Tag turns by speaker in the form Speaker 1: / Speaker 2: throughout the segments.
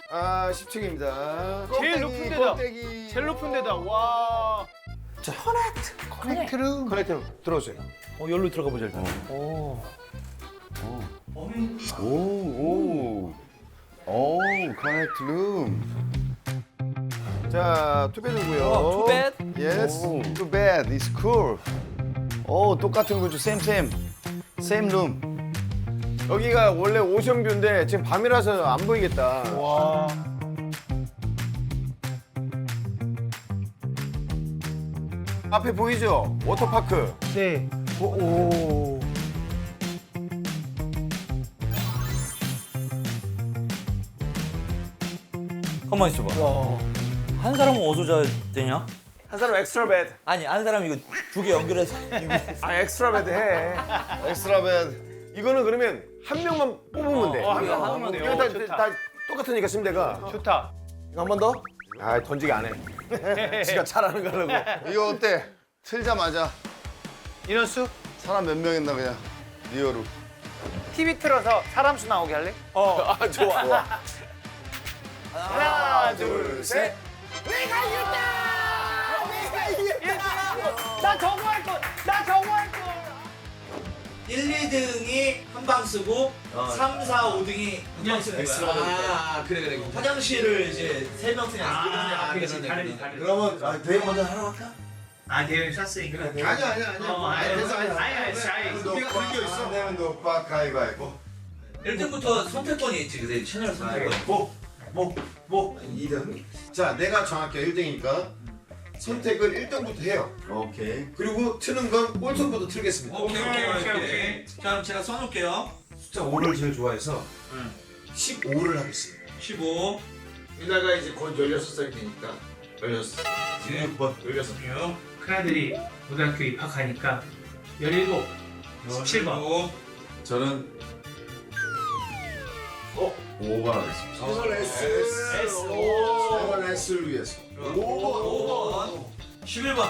Speaker 1: 아 10층입니다.
Speaker 2: 제일 높은 데다. 제일 높은 데다. 와.
Speaker 1: 자 커넥트룸. 커넥트룸 들어오세요.
Speaker 2: 여기로 들어가 보자 일단.
Speaker 3: 커넥트 룸.
Speaker 1: 자 투베드고요.
Speaker 2: 투베드?
Speaker 1: Yes.
Speaker 3: Too bad. It's cool. 똑같은 구조. Same room.
Speaker 1: 여기가 원래 오션뷰인데 지금 밤이라서 안 보이겠다.
Speaker 2: 와.
Speaker 1: 앞에 보이죠? 워터파크.
Speaker 2: 네. 오.
Speaker 4: 가만 있어봐. 한 사람은 어디서 자야 되냐?
Speaker 1: 한 사람 엑스트라 베드.
Speaker 4: 아니 한 사람 이거 두 개 연결해서
Speaker 1: 아 엑스트라 베드 해.
Speaker 3: 엑스트라 베드.
Speaker 1: 이거는 그러면 한 명만 뽑으면 돼.
Speaker 2: 한 명 뽑으면 돼요.
Speaker 1: 이거 다,
Speaker 2: 좋다.
Speaker 1: 다 똑같으니까 침대가.
Speaker 2: 좋다.
Speaker 1: 이거 한 번 더? 아 던지기 안 해. 지가 잘하는 거라고.
Speaker 3: 이거 어때? 틀자마자
Speaker 2: 인원수?
Speaker 3: 사람 몇 명 있나 그냥 리얼로.
Speaker 2: TV 틀어서 사람 수 나오게 할래?
Speaker 1: 아 좋아. 하나 둘 셋.
Speaker 2: 나 저거 할 거. 나 저거 할 거.
Speaker 4: 1, 2등이 한 방 쓰고 3, 4, 5등이 한 방 쓰는 거야.
Speaker 5: 아 그래.
Speaker 4: 화장실을 이제 3명 쓰냐
Speaker 2: 그렇지. 다르지.
Speaker 5: 그러면 대회 먼저 하러 갈까?
Speaker 2: 아, 대회 샀으니까.
Speaker 5: 아니야. 됐어.
Speaker 2: 아니.
Speaker 5: 우리가 그런 게 있어.
Speaker 3: 내면 노빠 가위바위보.
Speaker 4: 1등부터 선택권이 있지. 그래 채널 선택권.
Speaker 5: 뭐 2등. 자, 내가 정할게 1등이니까 선택을 1등부터 해요.
Speaker 3: 오케이.
Speaker 5: 그리고 트는 건 꼴통부터 틀겠습니다.
Speaker 4: 오케이. 자 그럼 제가 써놓을게요.
Speaker 5: 숫자 5를 제일 좋아해서 15를 하겠습니다.
Speaker 4: 15,
Speaker 5: 이나가 이제 곧 16살이 되니까 16. 16번 16.
Speaker 2: 큰아들이 고등학교 입학하니까 17, 17번.
Speaker 3: 저는 5번 하겠습니다.
Speaker 5: 최선 S. 최선 S를 위해서.
Speaker 4: 5번, 11번.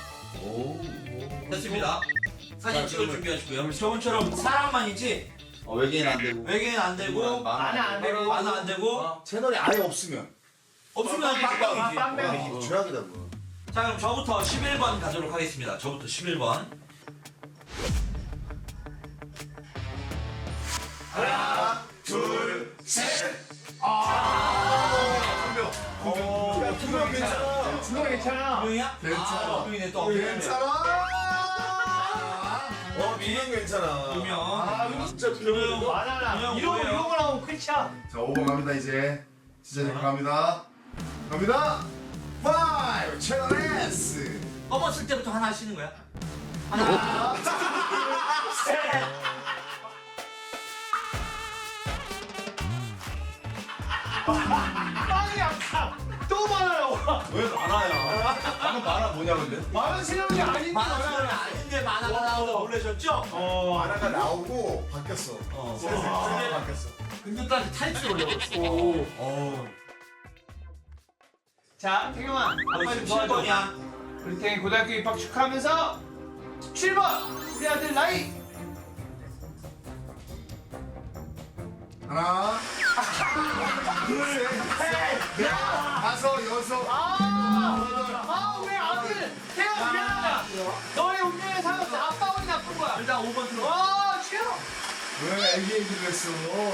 Speaker 4: 됐습니다. 사진 찍을 준비하시고요. 저번처럼 사람만이지
Speaker 3: 외계인 안 되고.
Speaker 4: 외계인 안 되고
Speaker 2: 만화 안 되고.
Speaker 4: 만화 안 되고
Speaker 5: 채널이 아예 없으면
Speaker 4: 없으면 빵빵이지.
Speaker 5: 최악이다 뭐.
Speaker 4: 자 그럼 저부터 11번 가도록 하겠습니다. 저부터 11번.
Speaker 2: 그거 괜찮아.
Speaker 4: 명이야?
Speaker 5: 괜찮아.
Speaker 4: 명이네 또.
Speaker 5: 두명 괜찮아.
Speaker 4: 두 명.
Speaker 5: 아, 진짜 두 명.
Speaker 2: 만화나.
Speaker 4: 그냥
Speaker 2: 이런
Speaker 4: 뭐예요?
Speaker 2: 거 나오면 끝이야.
Speaker 3: 자 5번 갑니다 이제. 진짜 갑니다.
Speaker 5: 갑니다. 5 채널 S.
Speaker 4: 뽑았을 때부터 하나 하시는 거야? 하나, 셋.
Speaker 2: 빵이 아파. 또 만화 나와.
Speaker 5: 왜 많아요? 방금 많아 뭐냐 근데?
Speaker 2: 만화 실력이 아닌데.
Speaker 4: 만화는 아닌데 만화가 나오다 놀라셨죠?
Speaker 5: 하나가 나오고 바뀌었어. 슬슬 바뀌었어.
Speaker 4: 근데 딱 타이틀 올려버렸어.
Speaker 2: 자, 태경아. 아빠 좀 도와줘.
Speaker 4: 17번이야.
Speaker 2: 우리 태경이 고등학교 입학 축하하면서 7번. 우리 아들 나이.
Speaker 5: 하나, 둘, 셋, 다섯, 여섯.
Speaker 2: 왜 아들? 태경 미안하다. 너의 운명에 살았어. 아빠 운이 나쁜 거야.
Speaker 4: 일단 5번 들어.
Speaker 2: 싫어.
Speaker 5: 왜 애기 얘기를 했어?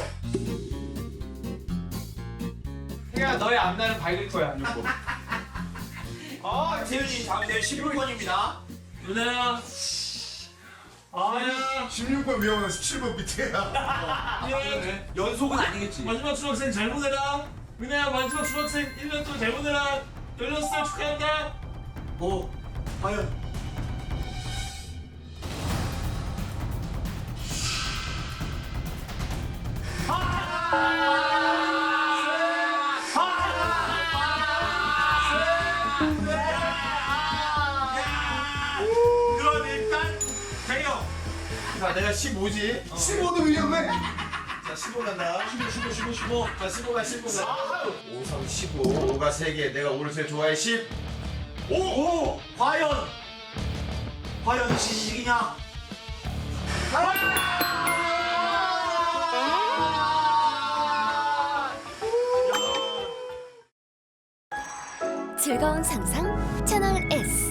Speaker 2: 태경아, 너의 앞날은 밝을 거야.
Speaker 4: 재윤이 다음 대 16번입니다. 누나야. 누나야.
Speaker 5: 16번 위험한 17번 밑에야.
Speaker 4: 연속은 아니겠지.
Speaker 6: 마지막 수학생 잘 보내라. 은혜야 마지막 수학생 1년 동안 잘 보내라. 16살 축하한다.
Speaker 5: 뭐? 과연?
Speaker 4: 그럼 일단 대형.
Speaker 5: 자, 내가 15지. 15도 위험해. 자, 15 간다. 15. 자, 15가 15가. 5, 3, 15. 5가 3개. 내가 5를 제일 좋아해. 10.
Speaker 4: 오! 과연 진식이냐?
Speaker 7: 즐거운 상상 채널 S.